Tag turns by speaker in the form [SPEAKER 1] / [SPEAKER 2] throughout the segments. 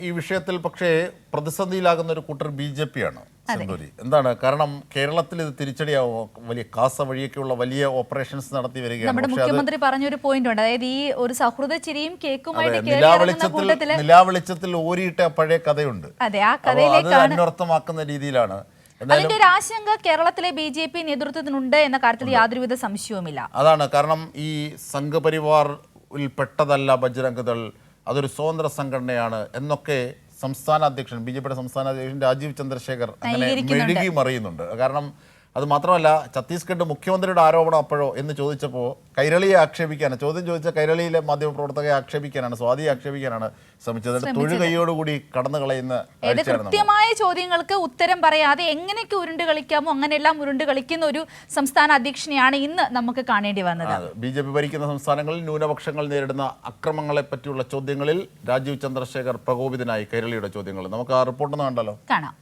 [SPEAKER 1] ഈ വിഷയത്തിൽ പക്ഷേ പ്രതിസന്ധിയിലാകുന്ന ഒരു കൂട്ടർ BJP ആണ്. സെന്തൂരി എന്താണ് കാരണം കേരളത്തിൽ ഇത് തിരിച്ചടിയാവും വലിയ കാസ വഴിയൊക്കെയുള്ള വലിയ ഓപ്പറേഷൻസ് നടത്തി വരികയാണ്.
[SPEAKER 2] നമ്മുടെ മുഖ്യമന്ത്രി പറഞ്ഞൊരു പോയിന്റ് ഉണ്ട്, അതായത് ഈ ഒരു സൗഹൃദ ചിരിയും കേക്കുമായിട്ട്
[SPEAKER 1] നിലാവെളിച്ചത്തിൽ ഓരിയിട്ട പഴയ കഥയുണ്ട്.
[SPEAKER 2] അതെ, ആ കഥയിലേക്കാണ്
[SPEAKER 1] അന്വർത്ഥമാക്കുന്ന രീതിയിലാണ്.
[SPEAKER 2] അതിന്റെ ഒരു ആശങ്ക കേരളത്തിലെ BJP നേതൃത്വത്തിനുണ്ട് എന്ന കാര്യത്തിൽ യാതൊരുവിധ സംശയവുമില്ല.
[SPEAKER 1] അതാണ് കാരണം ഈ സംഘപരിവാർ പെട്ടതല്ല ബജ്രംഗ് ദൾ, അതൊരു സ്വതന്ത്ര സംഘടനയാണ് എന്നൊക്കെ സംസ്ഥാന അധ്യക്ഷൻ BJPയുടെ സംസ്ഥാന അധ്യക്ഷൻ രാജീവ് ചന്ദ്രശേഖർ അങ്ങനെ മെഴുകി മറിയുന്നുണ്ട്. കാരണം അത് മാത്രമല്ല ഛത്തീസ്ഗഡ് മുഖ്യമന്ത്രിയുടെ ആരോപണം അപ്പോഴോ എന്ന് ചോദിച്ചപ്പോൾ കൈരളിയെ ആക്ഷേപിക്കാനാണ് ചോദ്യം ചോദിച്ച കൈരളിയിലെ മാധ്യമപ്രവർത്തകരെ ആക്ഷേപിക്കാനാണ്, സ്വാതിയെ ആക്ഷേപിക്കാനാണ് ശ്രമിച്ചത്. തൊഴുകൈയോടുകൂടി കടന്നു കളയുന്ന
[SPEAKER 2] കൃത്യമായ ചോദ്യങ്ങൾക്ക് ഉത്തരം പറയാതെ എങ്ങനെയൊക്കെ ഉരുണ്ട് കളിക്കാമോ അങ്ങനെയെല്ലാം ഉരുണ്ട് കളിക്കുന്ന ഒരു സംസ്ഥാന അധ്യക്ഷനെയാണ് ഇന്ന് നമുക്ക് കാണേണ്ടി വന്നത്.
[SPEAKER 1] BJP ഭരിക്കുന്ന സംസ്ഥാനങ്ങളിൽ ന്യൂനപക്ഷങ്ങൾ നേരിടുന്ന അക്രമങ്ങളെ പറ്റിയുള്ള ചോദ്യങ്ങളിൽ രാജീവ് ചന്ദ്രശേഖർ പ്രകോപിതനായി കൈരളിയുടെ ചോദ്യങ്ങൾ. നമുക്ക് ആ റിപ്പോർട്ടൊന്ന് കണ്ടല്ലോ.
[SPEAKER 2] കാണാം.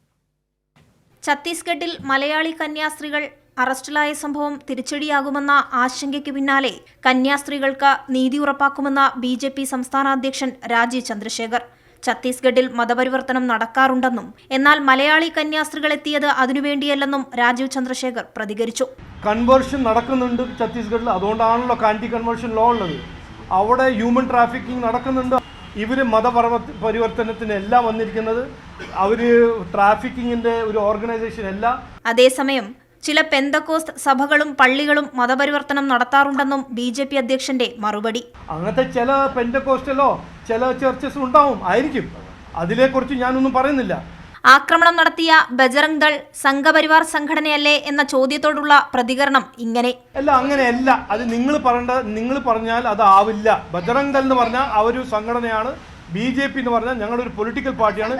[SPEAKER 3] ഛത്തീസ്ഗഡിൽ മലയാളി കന്യാസ്ത്രീകൾ അറസ്റ്റിലായ സംഭവം തിരിച്ചടിയാകുമെന്ന ആശങ്കയ്ക്ക് പിന്നാലെ കന്യാസ്ത്രീകൾക്ക് നീതി ഉറപ്പാക്കുമെന്ന BJP സംസ്ഥാന അധ്യക്ഷൻ രാജീവ് ചന്ദ്രശേഖർ. ഛത്തീസ്ഗഡിൽ മതപരിവർത്തനം നടക്കാറുണ്ടെന്നും എന്നാൽ മലയാളി കന്യാസ്ത്രീകൾ എത്തിയത് അതിനുവേണ്ടിയല്ലെന്നും രാജീവ് ചന്ദ്രശേഖർ പ്രതികരിച്ചു.
[SPEAKER 4] കൺവേർഷൻ നടക്കുന്നുണ്ട് ഛത്തീസ്ഗഡിൽ, അതുകൊണ്ടാണല്ലോ ആന്റി കൺവേർഷൻ ലോ ഉള്ളത്. അവിടെ ഹ്യൂമൻ ട്രാഫിക്കിംഗ് നടക്കുന്നുണ്ട്. ഇവർ മതപരിവർത്തനത്തിന് എല്ലാം വന്നിരിക്കുന്നത്, അവർ ട്രാഫിക്കിങ്ങിന്റെ ഒരു ഓർഗനൈസേഷൻ അല്ല.
[SPEAKER 3] അതേസമയം ചില പെന്തക്കോസ്ത് സഭകളും പള്ളികളും മതപരിവർത്തനം നടത്താറുണ്ടെന്നും BJP അധ്യക്ഷന്റെ മറുപടി.
[SPEAKER 4] അങ്ങനത്തെ ചില പെന്തക്കോസ്റ്റലോ ചില ചർച്ചസ് ഉണ്ടാവും ആയിരിക്കും, അതിനെക്കുറിച്ച് ഞാനൊന്നും പറയുന്നില്ല.
[SPEAKER 3] ആക്രമണം നടത്തിയ ബജ്രംഗ് ദൾ സംഘപരിവാർ സംഘടനയല്ലേ എന്ന ചോദ്യത്തോടുള്ള പ്രതികരണം ഇങ്ങനെ.
[SPEAKER 4] അല്ല, അങ്ങനെയല്ല. അത് നിങ്ങൾ പറഞ്ഞാൽ അത് ആവില്ല. ബജ്രംഗ് ദൾ എന്ന് പറഞ്ഞാൽ അവരൊരു സംഘടനയാണ്, BJP എന്ന് പറഞ്ഞാൽ ഞങ്ങളൊരു പൊളിറ്റിക്കൽ പാർട്ടിയാണ്.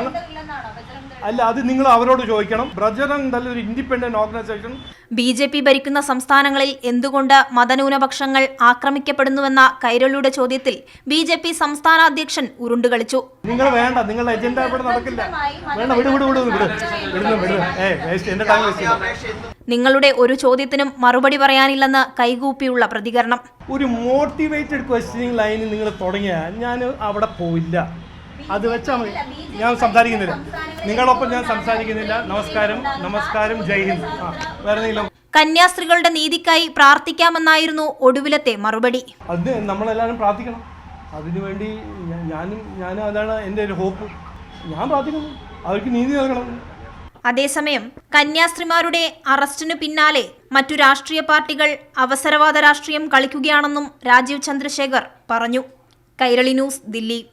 [SPEAKER 4] അല്ല, അത് നിങ്ങൾ അവരോട് ചോദിക്കണം. ബജ്രംഗ് ദൾ ഒരു ഇൻഡിപെൻഡന്റ് ഓർഗനൈസേഷൻ.
[SPEAKER 3] BJP ഭരിക്കുന്ന സംസ്ഥാനങ്ങളിൽ എന്തുകൊണ്ട് മതന്യൂനപക്ഷങ്ങൾ ആക്രമിക്കപ്പെടുന്നുവെന്ന കൈരളിയുടെ ചോദ്യത്തിൽ BJP സംസ്ഥാന അധ്യക്ഷൻ ഉരുണ്ടുകളിച്ചു.
[SPEAKER 4] നിങ്ങൾ വേണ്ട, നിങ്ങളുടെ അജണ്ട ഇവിടെ നടക്കില്ല. വേണ്ട,
[SPEAKER 3] നിങ്ങളുടെ ഒരു ചോദ്യത്തിനും മറുപടി പറയാനില്ലെന്ന് കൈകൂപ്പിയുള്ള പ്രതികരണം.
[SPEAKER 4] ഒരു മോട്ടിവേറ്റഡ് ക്വസ്റ്റ്യനിങ് ലൈനിൽ നിങ്ങൾ തുടങ്ങിയാൽ ഞാൻ അവിടെ പോയില്ല. അത് വെച്ചാൽ മതി. ഞാൻ സംസാരിക്കുന്നില്ല, നിങ്ങളൊപ്പം ഞാൻ സംസാരിക്കുന്നില്ല. നമസ്കാരം, ജയ് ഹിന്ദ്. വേറെ
[SPEAKER 3] കന്യാസ്ത്രീകളുടെ നീതിക്കായി പ്രാർത്ഥിക്കാമെന്നായിരുന്നു ഒടുവിലത്തെ മറുപടി.
[SPEAKER 4] അത് നമ്മളെല്ലാവരും പ്രാർത്ഥിക്കണം. അതിനുവേണ്ടി ഞാനും അതാണ് എൻ്റെ ഒരു ഹോപ്പ്. ഞാൻ പ്രാർത്ഥിക്കുന്നു, അവർക്ക് നീതി നൽകണം.
[SPEAKER 3] അതേസമയം കന്യാസ്ത്രീമാരുടെ അറസ്റ്റിനു പിന്നാലെ മറ്റു രാഷ്ട്രീയ പാർട്ടികൾ അവസരവാദ രാഷ്ട്രീയം കളിക്കുകയാണെന്നും രാജീവ് ചന്ദ്രശേഖർ പറഞ്ഞു. കൈരളി ന്യൂസ്, ദില്ലി.